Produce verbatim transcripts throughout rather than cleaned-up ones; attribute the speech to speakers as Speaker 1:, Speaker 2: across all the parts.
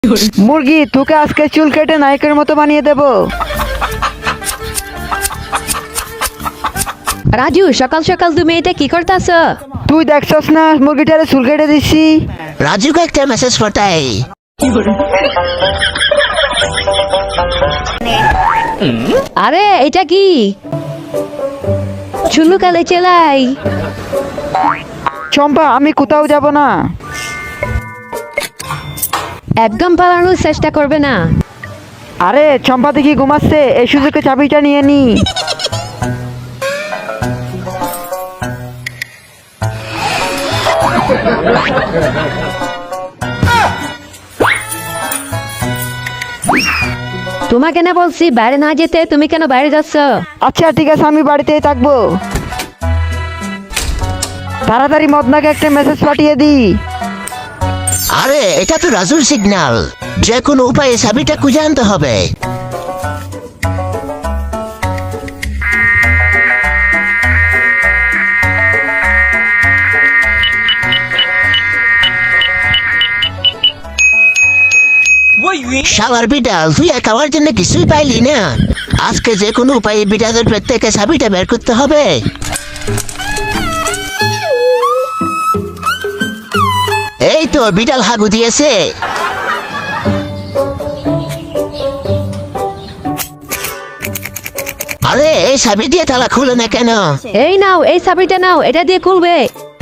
Speaker 1: মুরগি, তোকে আজকে চুল কেটে নায়কের মতো বানিয়ে দেব।
Speaker 2: রাজু, সকাল সকাল তুমি এটা কি করতেছ?
Speaker 1: তুই দেখছস না মুরগিটারে চুল কেটে দিচ্ছি।
Speaker 3: রাজুকে একটা মেসেজ পাঠাই।
Speaker 2: আরে এটা কি চুলু কালে চেলাই?
Speaker 1: চম্পা, আমি কোথাও যাব না।
Speaker 2: একদম পালানোর চেষ্টা করবে না।
Speaker 1: আরে চম্পা দেখি ঘুমাচ্ছে, এই সুযোগে চাবিটা নিয়ে নি।
Speaker 2: তোমাকে না বলছি বাইরে না যেতে, তুমি কেন বাইরে যাচ্ছ?
Speaker 1: আচ্ছা ঠিক আছে, আমি বাড়িতেই থাকবো। তাড়াতাড়ি মদনাকে একটা মেসেজ পাঠিয়ে দি।
Speaker 3: আরে এটা তো রাজুর সিগন্যাল, যে কোনো উপায়ে চাবিটা খুঁজে আনতে হবে। শালার বিড়াল, তুই এক আমার জন্য কিছুই পাইলি না। আজকে যে কোনো উপায়ে বিড়ালের পেট থেকে চাবিটা বের করতে হবে। এই তো বিড়াল হাগু দিয়েছে। আরে এই চাবি দিয়ে তালা খুলে না কেন?
Speaker 2: এই নাও, এই চাবিটা নাও, এটা দিয়ে খুলবে।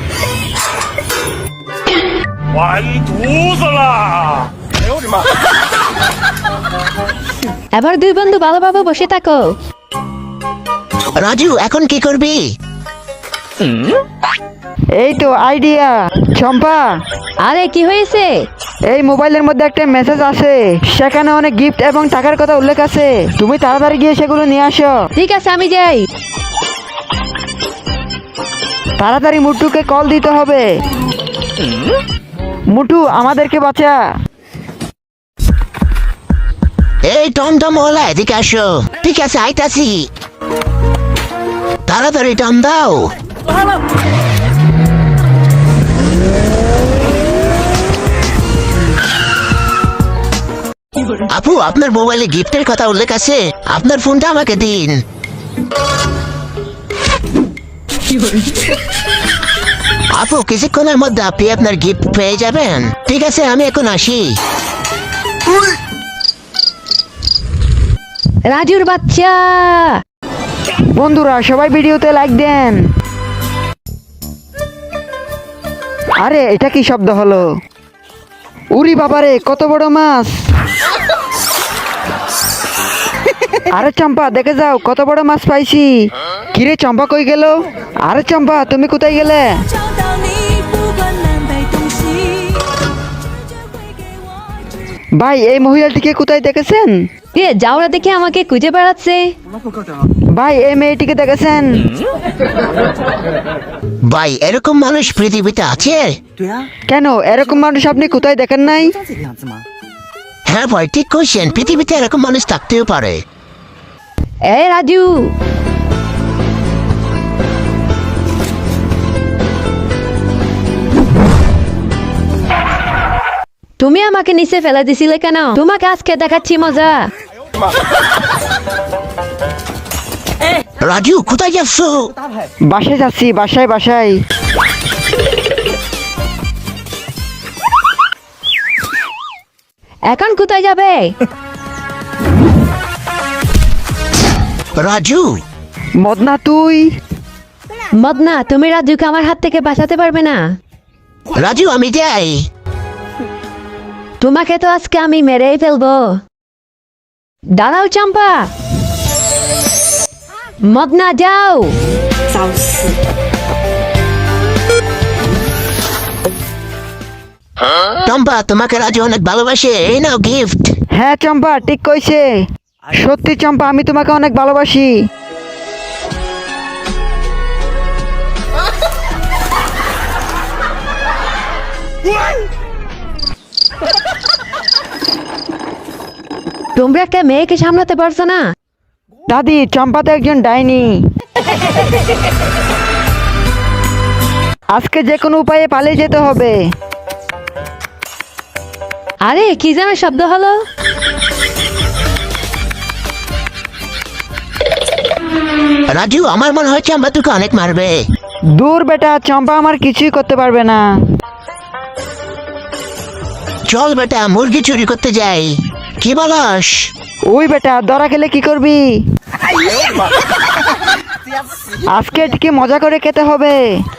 Speaker 4: 完犊子了！哎呦我的妈！
Speaker 2: এবার দুই বন্ধু ভালোভাবে বসে থাকো।
Speaker 3: রাজু, এখন কি করবি?
Speaker 1: এই তো আইডিয়া। চম্পা,
Speaker 2: আরে কি হয়েছে?
Speaker 1: এই মোবাইলের মধ্যে একটা মেসেজ আছে, সেখানে অনেক গিফট এবং টাকার কথা উল্লেখ আছে। তুমি তাড়াতাড়ি গিয়ে সেগুলো নিয়ে আসো।
Speaker 2: ঠিক আছে, আমি যাই।
Speaker 1: তাড়াতাড়ি মুটুকে কল দিতে হবে। মুটু, আমাদেরকে বাঁচা।
Speaker 3: এই টমটম ওলা, এদিকে আসো। ঠিক আছে, আইতাছি। তাড়াতাড়ি টম দাও। আপু, আপনার মোবাইলে গিফটের কথা উল্লেখ আছে, আপনার ফোনটা আমাকে দিন। আপু, কিছুক্ষণের মধ্যে আপনি আপনার গিফট পেয়ে যাবেন। ঠিক আছে, আমি এখন আসি।
Speaker 2: রাজুর বাচ্চা।
Speaker 1: বন্ধুরা সবাই ভিডিওতে লাইক দেন। আরে এটা কি শব্দ হলো? উরি বাবারে, কত বড় মাছ! আরে চম্পা, দেখে যাও কত বড় মাছ পাইছি। কিরে চম্পা, কই গেল? আরে চম্পা, তুমি কোথায় গেলে?
Speaker 5: 找到你，不管南北东西。
Speaker 1: ভাই, এই মহিলাটিকে কোথায় দেখেছেন?
Speaker 2: কে যাওরা দেখে আমাকে খুঁজে বেড়াচ্ছে?
Speaker 1: ভাই, এই মেয়েটিকে দেখেছেন?
Speaker 3: ভাই, এরকম মানুষ পৃথিবীতে আছে?
Speaker 6: 对啊，
Speaker 1: কেন, এরকম মানুষ আপনি কোথায় দেখেন নাই?
Speaker 6: 像这个样子吗？
Speaker 3: হ্যাঁ ভাই, ঠিক কইছেন, পৃথিবীতে এরকম মানুষ থাকতেও পারে।
Speaker 2: এই রাজু, তুমি আমাকে নিচে ফেলে দিছিলে কেন? তোমাকে আজকে দেখাচ্ছি মজা।
Speaker 3: রাজু, কোথায় যাচ্ছ?
Speaker 1: বাসায় যাচ্ছি, বাসায় বাসায়।
Speaker 2: এখন কোথায় যাবে?
Speaker 3: রাজু,
Speaker 1: মদনা তুই?
Speaker 2: মদনা, তুমি রাজুকে আমার হাত থেকে বাঁচাতে পারবে না।
Speaker 3: রাজু আমি যাই।
Speaker 2: তোমাকে তো আজকে আমি মেরেই ফেলবো। দাঁড়াও চম্পা। মদনা যাও।
Speaker 6: 找死！
Speaker 3: টম্পা, তোমাকে রাজু অনেক ভালোবাসে, এই নাও গিফট।
Speaker 1: হ্যাঁ চম্পা, ঠিক কইছে। সত্যি চম্পা, আমি তোমাকে অনেক ভালোবাসি।
Speaker 2: তোমরা একটা মেয়েকে সামলাতে পারছো না?
Speaker 1: দাদি, চম্পা তো একজন ডাইনি। আজকে যে কোনো উপায়ে পালিয়ে যেতে হবে।
Speaker 2: আরে কি যেন শব্দ হলো?
Speaker 3: রাজু আমার মনে হয় চম্পা তোকে অনেক মারবে।
Speaker 1: দূর বেটা, চম্পা আমার কিছুই করতে পারবে না।
Speaker 3: চল বেটা মুরগি চুরি করতে যাই, কি বলস?
Speaker 1: ওই বেটা, ধরা খেলে কি করবি? আজকে কি মজা করে খেতে হবে।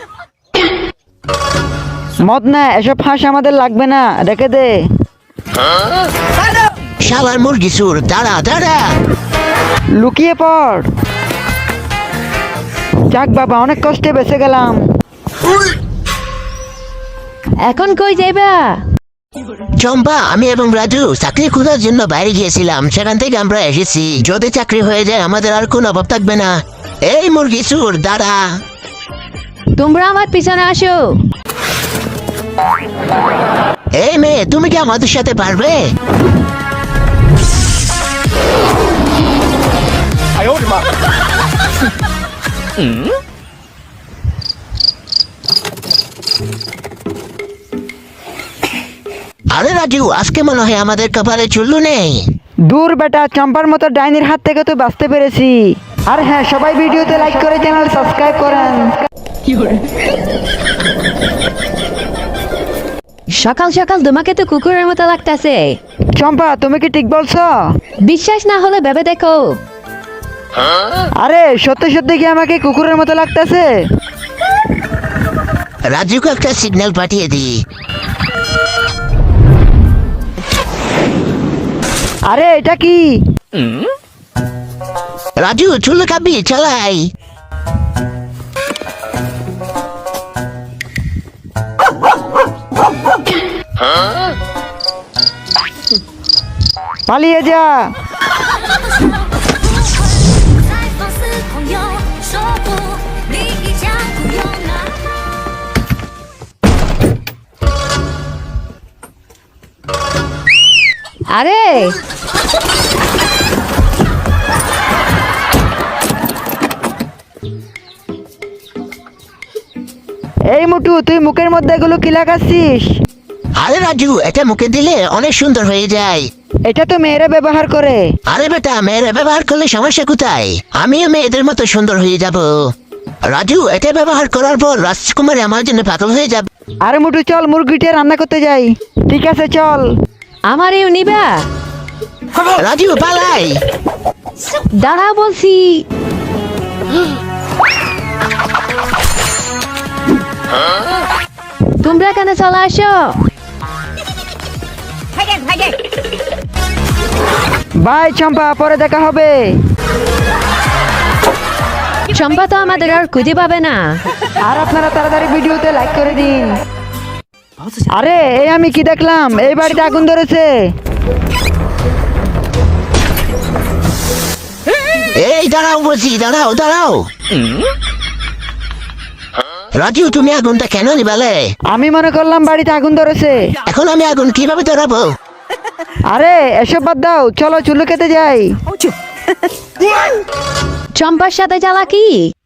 Speaker 1: মদ না, এসব ফাঁস আমাদের লাগবে না, রেখে দে।
Speaker 3: শালার মুরগি চুর, দাঁড়া দাঁড়া।
Speaker 1: লুকিয়ে পড়। যাক বাবা, অনেক কষ্টে বেঁচে গেলাম।
Speaker 2: এখন কই যাইবা?
Speaker 3: চম্পা, আমি এবং রাজু চাকরি খোঁজার জন্য বাইরে গিয়েছিলাম, সেখান থেকে আমরা এসেছি। যদি চাকরি হয়ে যায় আমাদের আর কোনো অভাব থাকবে না। এই মুরগি চুর, দাঁড়া।
Speaker 2: তোমরা আমার পিছনে আসো।
Speaker 3: এই মেয়ে, তুমি কি আমাদের সাথে পারবে? আরে রাজু, আজকে মনে হয় আমাদের কপালে চুল্লু নেই।
Speaker 1: দূর বেটা, চম্পার মতো ডাইনির হাত থেকে তো বাঁচতে পেরেছি। আর হ্যাঁ, সবাই ভিডিওতে লাইক করে চ্যানেল সাবস্ক্রাইব করেন।
Speaker 2: সকাল সকাল তোমাকে তো কুকুরের মতো লাগতেছে।
Speaker 1: চম্পা, তুমি কি ঠিক বলছো?
Speaker 2: বিশ্বাস না হলে ভেবে দেখো।
Speaker 1: আরে সত্যি সত্যি কি আমাকে কুকুরের মতো লাগতেছে?
Speaker 3: রাজুকে একটা সিগন্যাল পাঠিয়ে দি।
Speaker 1: আরে এটা কি?
Speaker 3: রাজু চুল্লু খাবি, চালাই।
Speaker 1: পালিয়ে যা।
Speaker 5: 在放肆狂游，说不，你已将不用拿。
Speaker 2: আরে
Speaker 1: এই মুটু, তুই মুখের মধ্যে এগুলো কি লাগাচ্ছিস?
Speaker 3: আরে রাজু, এটা মুখে দিলে অনেক সুন্দর হয়ে যায়।
Speaker 1: এটা তো মেয়েরা ব্যবহার করে।
Speaker 3: আরে বেটা, মেয়েরা ব্যবহার করলে সমস্যা কোথায়? আমিও মেয়েদের মতো সুন্দর হয়ে যাব। রাজু, এটা ব্যবহার করার পর রাজকুমারী আমার জন্য পাগল হয়ে যাবে।
Speaker 1: আরে মুটু, চল মুরগিটা রান্না করতে যাই। ঠিক আছে চল।
Speaker 2: আমারেও নিবা?
Speaker 3: রাজু পালাই।
Speaker 2: দাঁড়াও বলছি। তোমরা কেন চলে আসো?
Speaker 1: বাই চম্পা, পরে দেখা হবে।
Speaker 2: চম্পা তো আমাদের আর খুঁজে পাবে না।
Speaker 1: আর আপনারা তাড়াতাড়ি ভিডিওতে লাইক করে দিন। আরে এই আমি কি দেখলাম? এই বাড়িতে আগুন ধরেছে।
Speaker 3: এই দাঁড়াও বলছি, দাঁড়াও দাঁড়াও। রাজু, তুমি আগুনটা কেন নিবালে?
Speaker 1: আমি মনে করলাম বাড়িতে আগুন ধরেছে।
Speaker 3: এখন আমি আগুন কিভাবে ধরাবো?
Speaker 1: আরে এসব বাদ দাও, চলো চুল্লু খেতে যাই।
Speaker 2: চম্পার সাথে চালাকি।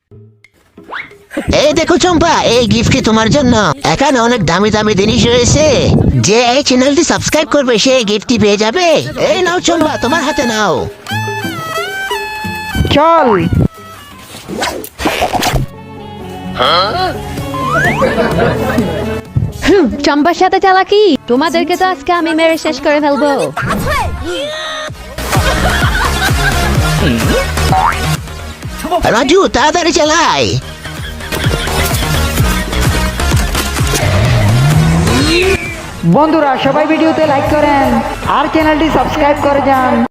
Speaker 3: এই দেখো চম্পা, এই গিফট তোমার জন্য। এখানে অনেক দামি দামি জিনিস রয়েছে। যে এই চ্যানেলটি সাবস্ক্রাইব করবে সে এই গিফটটি পেয়ে যাবে। এই নাও চম্পা, তোমার হাতে নাও।
Speaker 1: চল।
Speaker 2: হুম, চম্পার সাথে চালাকি। তোমাদেরকে তো আজকে আমি মেরে শেষ করে ফেলবো।
Speaker 3: রাজু তাড়াতাড়ি চালাই।
Speaker 1: বন্ধুরা, সবাই ভিডিওতে লাইক করেন আর চ্যানেলটি সাবস্ক্রাইব করে যান।